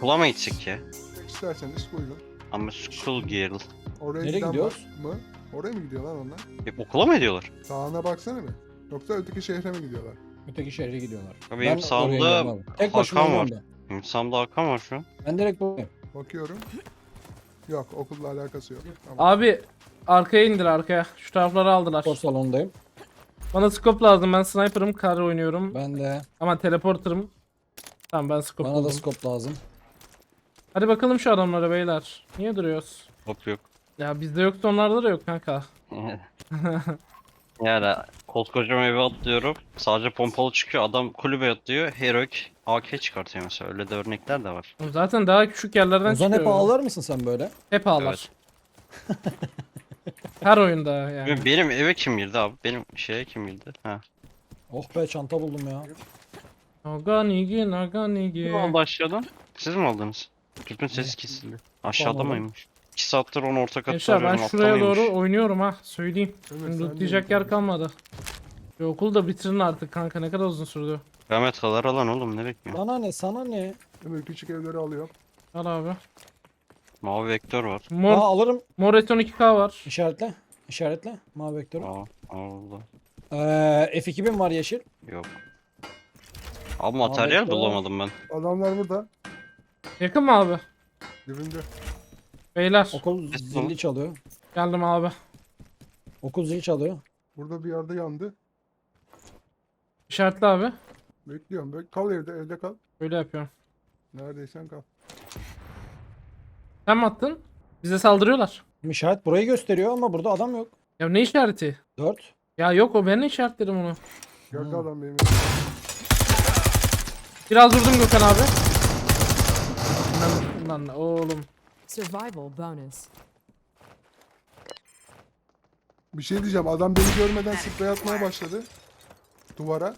Okula mı gitsek ya? İsterseniz buyurun. Ama school girl. Oraya Nereye giden gidiyoruz? var mı? Oraya mı gidiyorlar onlar? Okula mı ediyorlar? Sağına baksana bir. Yoksa öteki şehre mi gidiyorlar? Öteki şehre gidiyorlar. Abi Ben benim oraya sağımda gidiyorum abi. Tek başıma Hakan var. oynuyorum ben. Benim sağımda Hakan var şu an. Ben direkt buradayım. Bakıyorum. Yok, okulla alakası yok. Tamam. Abi arkaya indir arkaya. Şu tarafları aldılar. Spor salonundayım. Bana scope lazım. Ben sniper'ım, kar oynuyorum. Ben de. Ama teleporter'ım. Tamam ben scope Bana da buldum. scope lazım. Hadi bakalım şu adamlara beyler. Niye duruyoruz? Hop yok. Ya bizde yoksa onlarda da yok kanka. Yani koskocaman eve atlıyorum. Sadece pompalı çıkıyor. Adam kulübe atlıyor. Heroic AK çıkartıyor mesela. Öyle de örnekler de var. Zaten daha küçük yerlerden Ozan çıkıyor. hep ağlar mısın sen böyle? Hep ağlar. Her oyunda yani. Benim eve kim girdi abi? Benim şeye kim girdi? Ha. Oh be çanta buldum ya. Naganigi, Naganigi. Ne zaman başladın? Siz mi aldınız? Tüpün sesi kesildi. Aşağıda Anladım. mıymış? 2 saattir onu orta katta Gençler ben arıyorum. şuraya altta mıymış? doğru oynuyorum ha. Söyleyeyim. Evet, Şimdi sen de lootlayacak iyi yer kalmadı. Şu okulu da bitirin artık kanka. Ne kadar uzun sürdü. Kıyamet kadar alan oğlum ne bekliyor? Sana ne sana ne? Ömür küçük evleri alıyor. Al abi. Mavi vektör var. Aa Mor, alırım. mor eton 2K var. İşaretle. İşaretle. Mavi vektörü. Aa, Allah. F2000 var yeşil. Yok. Abi materyal vektör. bulamadım ben. Adamlar burada. Yakın mı abi? Dibinde. Beyler. Okul zili çalıyor. Geldim abi. Okul zili çalıyor. Burada bir yerde yandı. İşaretli abi. Bekliyorum. Kal evde kal. Böyle yapıyorum. Neredeysen kal. Sen mi attın? Bize saldırıyorlar. İşaret burayı gösteriyor ama burada adam yok. Ya ne işareti? 4. Ya yok o ben işaretledim onu. Gördü adam benim. Biraz vurdum Gökhan abi. Lan oğlum. Survival bonus. Bir şey diyeceğim. Adam beni görmeden sprey atmaya başladı. Duvara.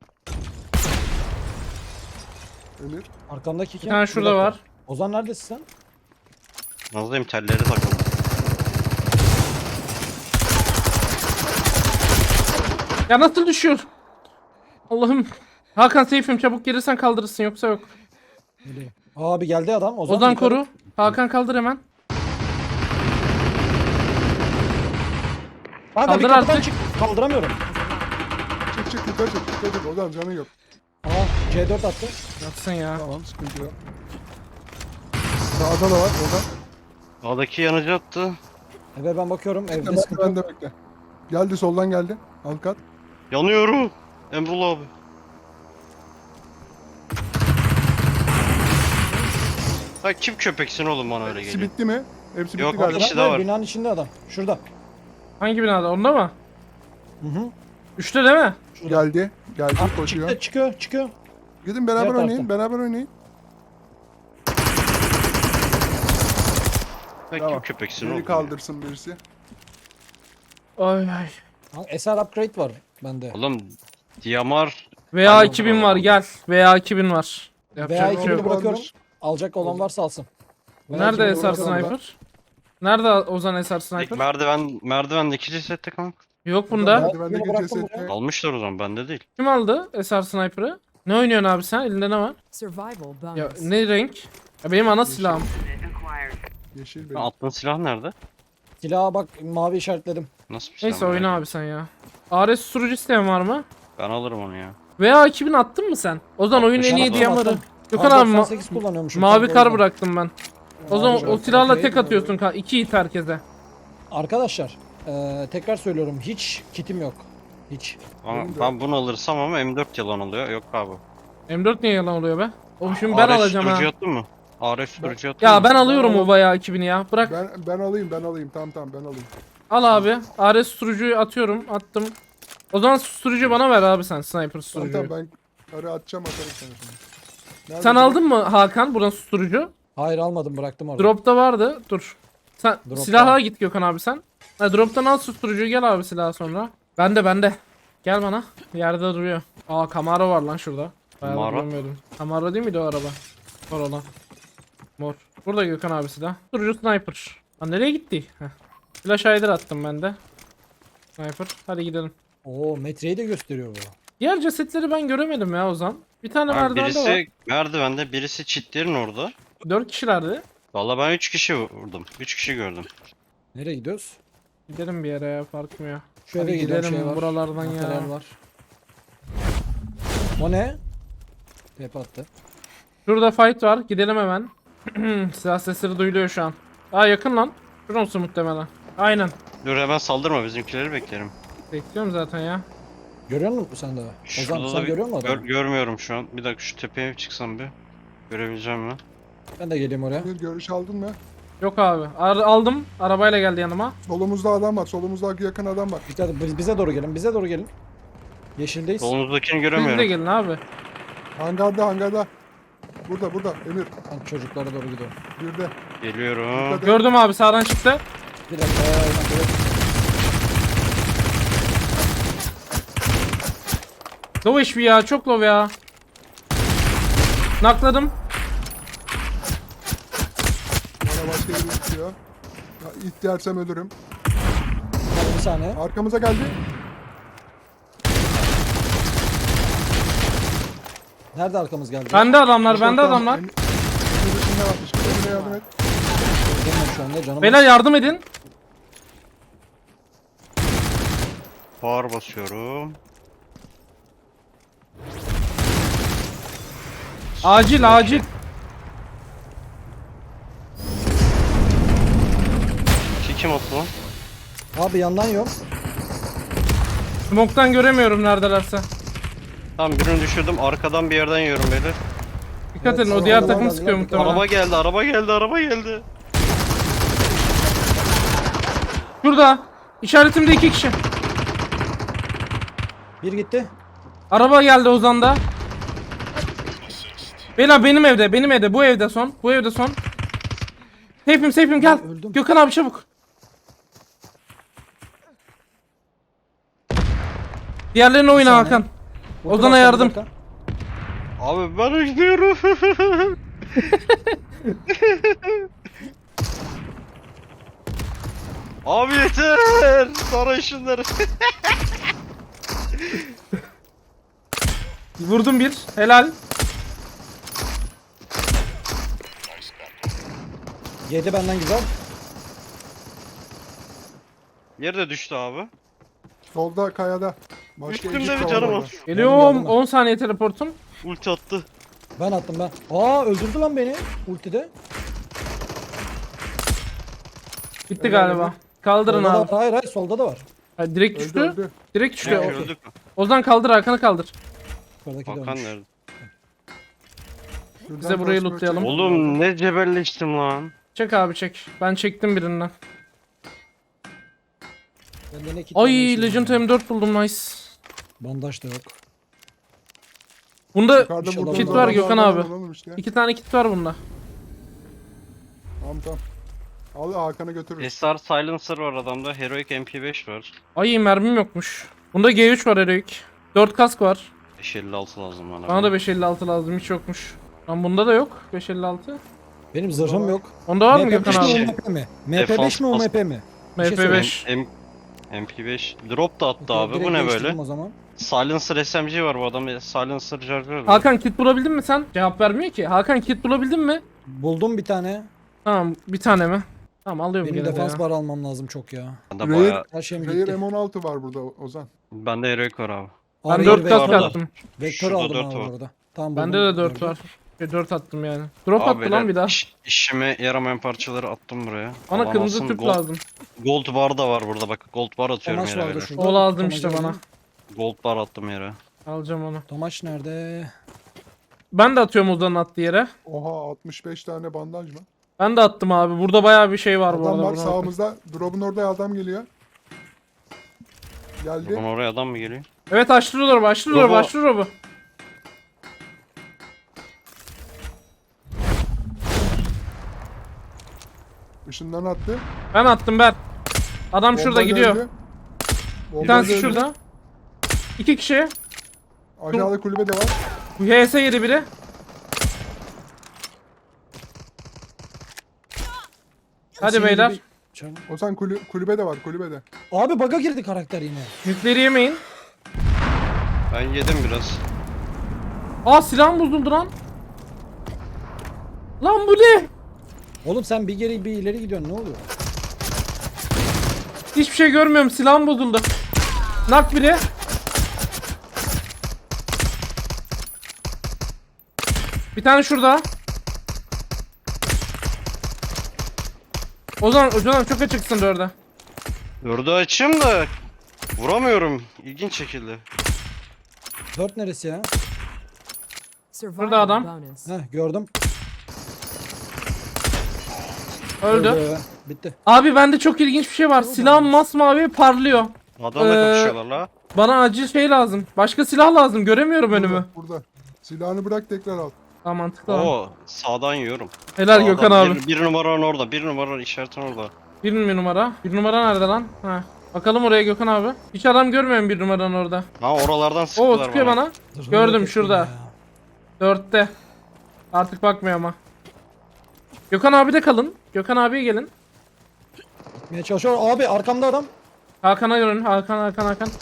Emir. Arkamdaki Bir kim? tane Bir şurada dakika. var. Ozan neredesin sen? Nazdayım telleri takıldı. Ya nasıl düşüyor? Allah'ım. Hakan safe'im çabuk gelirsen kaldırırsın yoksa yok. Nereye? Abi geldi adam. Ozan, Ozan yukarı. koru. Hakan kaldır hemen. Kanka bir Kaldır kapıdan artık. çık. Kaldıramıyorum. Çık yukarı çık. Dikkat et. Ozan canın yok. Aa C4 attı. Yatsın ya. Tamam, sıkıntı yok. Sağda da var. Ozan. Sağdaki yanıcı attı. Eve ben bakıyorum. Evde Ben sıkıntı yok. de bekle. Geldi soldan geldi. Alt kat. Yanıyorum. Emrullah abi. Ha kim köpeksin oğlum bana öyle Hepsi geliyor. bitti mi? Hepsi Yok, bitti galiba. bir kişi daha var. Binanın içinde adam. Şurada. Hangi binada? Onda mı? Hı hı. Üçte değil mi? Geldi. Geldi Ah, koşuyor. çıkıyor. Gidin beraber Diğer oynayın. tarafta. Beraber oynayın. Ha Tamam. kim köpeksin Beni oğlum. kaldırsın birisi. Ay ay. Ha, SR upgrade var bende. Oğlum Diyamar VA 2000 var gel. VA 2000 var. Yapacak VA bir şey 2000'i yok. bırakıyorum. Alacak olan varsa alsın. Nerede VA 2000'i SR bırakıyorum ben. Sniper? Nerede Ozan SR tek Sniper? merdivendeki cesette kanka. Yok bunda. Merdivendeki Bıraktım cesette. buraya. Almışlar o zaman bende değil. Kim aldı SR Sniper'ı? Ne oynuyorsun abi sen? Elinde ne var? Survival bonus. Ya ne renk? Ya benim ana silahım. Yeşil Ha, benim. attığın silah nerede? Silaha bak mavi işaretledim. Nasıl bir silah? Neyse merak oyna ettim. abi sen ya. ARS susturucu isteyen var mı? Ben alırım onu ya. VA 2000 attın mı sen? Ozan oyun en iyi Attım, diyamarı. attım. Gökhan Kar abi 98 kullanıyormuşum. mavi kanka, o kar yüzden. bıraktım ben. O zaman o bıraktım. silahla Okey. tek atıyorsun kanka. 2 hit herkese. Arkadaşlar tekrar söylüyorum hiç kitim yok. Hiç. Ama Benim de. ben bunu alırsam ama M4 yalan oluyor. Yok abi. M4 niye yalan oluyor be? Oğlum şimdi ben RF alacağım ha. sürücü attın mı? RF sürücü attın Ya mı? ben alıyorum Ben o VA 2000'i ya. Bırak. Ben alayım. Tamam ben alayım. Al abi. ARS susturucuyu atıyorum. Attım. O zaman susturucu bana ver abi sen. Sniper Tamam susturucuyu. ben karı atacağım atarım sana şimdi. Nerede Sen bu? aldın mı Hakan buradan susturucu? Hayır almadım bıraktım orada. Drop'ta vardı. Dur. Sen Drop'ta. silaha git Gökhan abi sen. Ha, drop'tan al susturucuyu gel abi silaha sonra. Bende. Gel bana. Yerde duruyor. Aa Camaro var lan şurada. Bayağı Camaro? görmüyordum. Camaro değil miydi o araba? Mor olan. Mor. Burada Gökhan abi silah. Susturucu sniper. Lan nereye gitti? Heh. Flash hider attım ben de. Sniper. Hadi gidelim. Oo metreyi de gösteriyor bu. Diğer cesetleri ben göremedim ya Ozan. Bir tane Abi merdivende var. birisi merdivende, birisi çitlerin orada. 4 kişilerdi. Valla ben 3 kişi vurdum. 3 kişi gördüm. Nereye gidiyoruz? Gidelim bir yere ya, fark mı ya? Şu Hadi eve gidelim, gidelim şey var. buralardan ya. Materyal var. O ne? Tep attı. Şurada fight var, gidelim hemen. Silah sesleri duyuluyor şu an. Aa yakın lan. Şurası muhtemelen. Aynen. Dur hemen saldırma, bizimkileri beklerim. Bekliyorum zaten ya. Görüyor musun sen de? Ozan Şurada sen da görüyor musun adamı? görmüyorum şu an. Bir dakika şu tepeye çıksam bir. Görebileceğim mi? Ben de geleyim oraya. Bir görüş aldın mı? Yok abi. Aldım. Arabayla geldi yanıma. Solumuzda adam var. Solumuzda yakın adam var. Dikkat et, bize doğru gelin, bize doğru gelin. Yeşildeyiz. Solunuzdakini Siz de göremiyorum. gelin abi. Hangarda. Burada Emir. Ben çocuklara doğru gidiyorum. Bir de. Geliyorum. Dikkat et. Gördüm abi, sağdan çıktı. Bir dakika. Evet. Low HP ya, çok low ya. Nakladım. Bana başka biri tutuyor. Ya, İhtiyarsan ölürüm. Hadi bir saniye. Arkamıza geldi. Nerede arkamız geldi? Bende adamlar, bende Tamam, adamlar. Emir dışında varmış. Emir'e yardım et. Gelmiyorum şu anda canım. Beyler yardım edin. Power basıyorum. Acil acil. Kim attı lan? Abi yandan yok. Smoke'tan göremiyorum neredelerse. Tamam birini düşürdüm. Arkadan bir yerden yiyorum beyler. Dikkat Evet, edin, o sonra diğer arabalar takım geldiler, sıkıyor bir muhtemelen. Araba geldi, araba geldi, araba geldi. Şurada. İşaretimde 2 kişi. Bir gitti. Araba geldi Ozan'da. Beyler benim evde, bu evde son, bu evde son. Safe'im gel. Ben öldüm. Gökhan abi çabuk. Diğerlerine oyna saniye. Hakan. Burada Ozan'a başka bir yardım. dakika. Abi ben gidiyorum. Abi yeter. Sarı şunları. Vurdum bir. Helal. Yedi benden güzel. Yerde düştü abi. Solda kayada. Başka Üstümde ekip bir de var canım orada. var. Geliyorum. geldim ben. 10 saniye teleportum. Ulti attı. Ben attım ben. Aa öldürdü lan beni. Ultide. Bitti galiba. Kaldırın Solda da abi. var. Hayır solda da var. Ha, direkt Öldü düştü. öldü. Direkt düştü. Direkt Okey. öldük mü? Ozan kaldır, Hakan'ı kaldır. Yukarıdaki Hakan dönmüş. nerede? Şuradan Bize burayı koşmaya lootlayalım. çalışıyorum. Oğlum ne cebelleştim lan. Çek abi çek. Ben çektim birinden. Bende ne kit Ay var, ne şey Legend var. M4 buldum, nice. Bandaj da yok. Bunda Yukarıda İnşallah burada kit olur. var Gökhan abi. Alalım işte. 2 tane kit var bunda. Tamam. Al Hakan'ı götürürüz. SR Silencer var adamda. Heroic MP5 var. Ay mermim yokmuş. Bunda G3 var Heroic. 4 kask var. 556 lazım bana. Bana da 556 lazım, hiç yokmuş. Lan bunda da yok 556. Benim zırhım yok. Onda var mı MP5 Gökhan mi abi? o MP mi? Defans MP5 mi o pas- MP mi? Bir şey MP5. MP5 drop da attı Okey, abi. direkt Bu ne değiştirdim böyle? O zaman. Silencer SMG var bu adam. Silencer charger var. Hakan kit bulabildin mi sen? Cevap vermiyor ki. Hakan kit bulabildin mi? Buldum bir tane. Tamam, bir tane mi? Tamam, alıyorum Benim gene de defans ya. bar almam lazım çok ya. Bende Raid- bayağı. Her şeyim Rare gitti. M16 var burada Ozan. Bende Heroic var abi. Ben Abi, 4 kask vektör var. attım. Vektör Şurada aldım 4 abi var. orada. Tamam, Bende buldum, de 4 gördüm. var. 4 attım yani. Drop attı Abi lan bir daha. işime yaramayan parçaları attım buraya. Bana kırmızı Alamazsın. tüp lazım. Gold bar da var burada bak. Gold bar atıyorum Tomaş yere vardı böyle. şurada. O lazım Tomaş'ı işte bana. alayım. Gold bar attım yere. Alacağım onu. Tomaş nerede? Ben de atıyorum Ozan'ın attığı yere. Oha 65 tane bandaj mı? Ben de attım abi. Burada bayağı bir şey var bu Adam arada. var Buna sağımızda. Drop'un orada adam geliyor. Geldi. Buradan oraya adam mı geliyor? Evet, açtırıyorlar, Robo. başlıyor. Işından attı. Ben attım ben. Adam şurada Bombayla gidiyor. öldü. Bir Bombayla tanesi öldü. şurada. 2 kişi. Aşağıda kulübe de var. HS yedi biri. Hadi Senin beyler. gibi- Çabuk. Ozan kulübede var kulübede. Abi bug'a girdi karakter yine. Yükleri yemeyin. Ben yedim biraz. Aa, silahım bozuldu lan. Lan bu ne? Oğlum sen bir geri bir ileri gidiyorsun, ne oluyor? Hiçbir şey görmüyorum. Silahım bozuldu. Nak biri. Bir tane şurada. Ozan çok açıksın orada. Dördü açayım da vuramıyorum. İlginç şekilde. 4 neresi ya? Survival adam. bonus. Heh, gördüm. Öldü. Bitti. Abi bende çok ilginç bir şey var. Silahım masmavi parlıyor. Adamla kapışıyorlar la. Bana acil şey lazım. Başka silah lazım. Göremiyorum önümü. Burada. Silahını bırak tekrar al. Tamam mantıklı. Abi. Oo sağdan yiyorum. Helal Sağdan, Gökhan abi. Bir numaranın orada. Bir numaranın işaretin orada. Bir numara. Bir numara nerede lan? Ha. Bakalım oraya Gökhan abi. Hiç adam görmüyorum bir numaranın orada. Ha oralardan sıktılar Oo sıkıyor bana. Zırhını Gördüm yok ettin şurada. ya. 4'te. Artık bakmıyor ama. Gökhan abi de kalın. Gökhan abiye gelin. Gitmeye çalışıyor. Abi arkamda adam. Hakan'a görün. Hakan.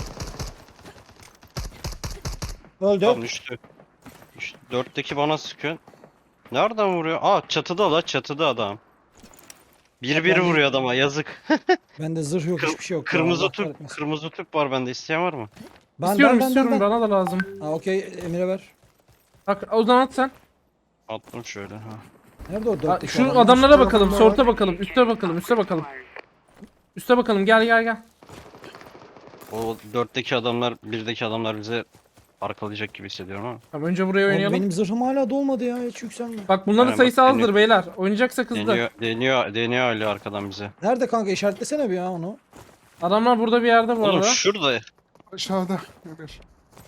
Öldü. Tamam düştü. Dörtteki bana sıkıyor. Nereden vuruyor? Aa çatıda la çatıda adam. Bir Ben- vuruyor adama yazık. Bende zırh yok, hiçbir şey yok. ya, Kırmızı Allah tüp, kahretmesin. kırmızı tüp var bende. İsteyen var mı? İstiyorum bana da lazım. Ha okey, Emir'e ver. Bak o zaman at sen. Attım şöyle ha. Nerede o Ha, 4'teki şu adam? adamlara bakalım. tarafında Sorta bakalım. Üste bakalım. Üste bakalım. Gel. O dörtteki adamlar, birdeki adamlar bize arkalayacak gibi hissediyorum ama. Tamam önce buraya Oğlum, oynayalım. benim zırhım hala dolmadı ya, hiç yükselme. Bak bunların Aynen, sayısı bak, azdır beyler. Oynayacaksak hızlı. Deniyor Ali arkadan bize. Nerede kanka, işaretlesene bir ya onu. Adamlar burada bir yerde bu Oğlum arada. şurada. Aşağıda. Emir.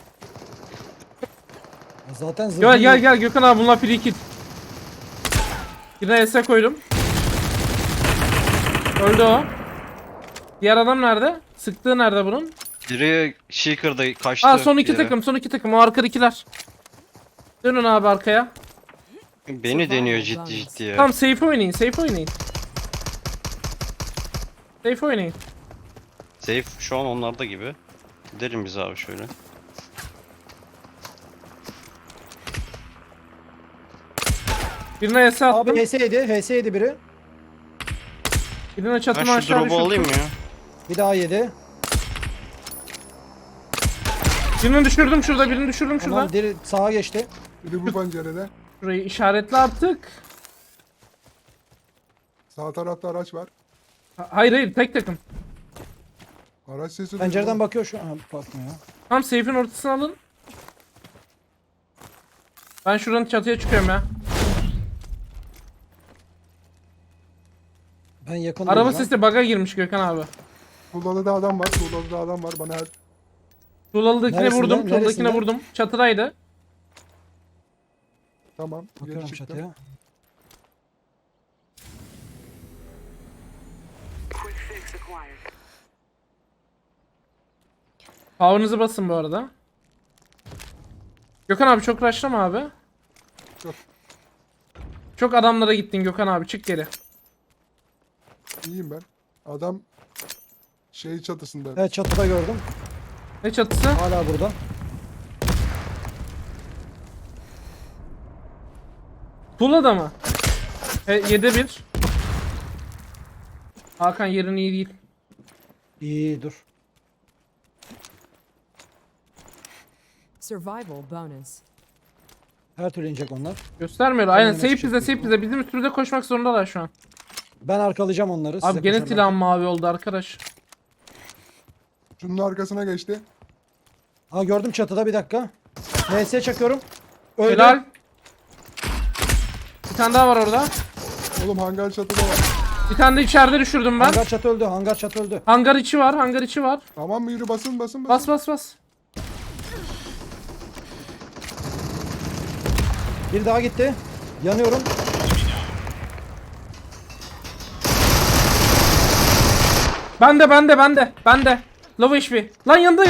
Zaten zırhım Gel Gökhan abi bunlar free kill. Birine S koydum. Öldü o. Diğer adam nerede? Sıktığı nerede bunun? Biri Shaker'da kaçtı. Aa son iki bir yere. takım, son iki takım. O arkadakiler. Dönün abi arkaya. Beni deniyor ciddi ya. Tamam safe oynayın. Safe şu an onlarda gibi. Gidelim biz abi şöyle. Birine S attım. Abi HS7 biri. Birine Ben çatıma şu aşağı drop'u alayım düşürdüm. ya. Bir daha yedi. Birini düşürdüm şurada, birini düşürdüm şurada. Tamam, deri sağa geçti. Biri bu pencerede. Şurayı işaretle artık. Sağ tarafta araç var. Hayır tek takım. Araç sesi Pencereden duydum. bakıyor şu an. Bakmıyor. Tam safe'in ortasına alın. Ben şuranın çatıya çıkıyorum ya. Ben yakın Araba değilim lan. sesi bug'a girmiş Gökhan abi. Tuğlalı'da adam var. Tuğlalı'da adam var. Bana her... Tuğlalı'dakine Neresinde? vurdum. Tuğlalı'dakine Neresinde? vurdum. Çatıdaydı. Tamam. Geri Bakıyorum çıktım. çatıya. Power'ınızı basın bu arada. Gökhan abi çok rushlama abi. Yok. Çok adamlara gittin Gökhan abi, çık geri. İyiyim ben. Adam şey çatısında. Evet, çatıda gördüm. Ne çatısı? Hala burada. Tuğla'da mı? 7'de 1. Hakan yerin iyi değil. İyi dur. Survival bonus. Her türlü inecek onlar. Göstermiyor. Aynen Aynen, save çıkacak bize, büyük Bizim üstümüze koşmak zorundalar şu an. Ben arkalayacağım onları. size Abi gene koşarlar. silahım mavi oldu arkadaş. Şunun arkasına geçti. Ha gördüm çatıda, bir dakika. NS çakıyorum. Öldü. Helal. Bir tane daha var orada. Oğlum hangar çatıda var. Bir tane de içeride düşürdüm ben. Hangar çatı öldü. Hangar çatı öldü. Hangar içi var. Tamam mı? Yürü basın. Bas. Bir daha gitti. Yanıyorum. Bende. Low HP. Lan yanında.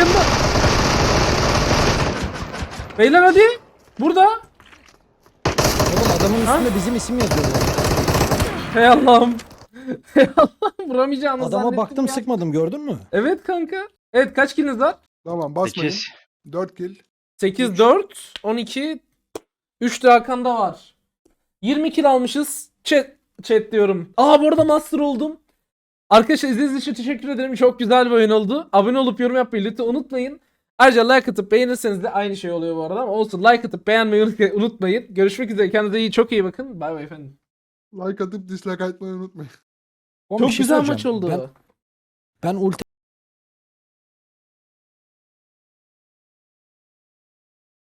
Beyler hadi. Burada. Oğlum adamın üstünde bizim isim yazıyor. Hey Allah'ım. Vuramayacağını Adama zannettim baktım, ya. sıkmadım, gördün mü? Evet kanka. Evet kaç killiniz var? Tamam basmayın. 8. 4 kill. 8, 4, 12. 3 de Hakan'da var. 20 kill almışız. Chat diyorum. Aa bu arada master oldum. Arkadaşlar izlediğiniz için teşekkür ederim. Çok güzel bir oyun oldu. Abone olup yorum yapmayı lütfen unutmayın. Ayrıca like atıp beğenirseniz de aynı şey oluyor bu arada ama olsun, like atıp beğenmeyi unutmayın. Görüşmek üzere. Kendinize iyi, çok iyi bakın. Bay bay efendim. Like atıp dislike atmayı unutmayın. Oğlum Çok bir şey güzel söyleyeceğim. maç oldu. Ben ulti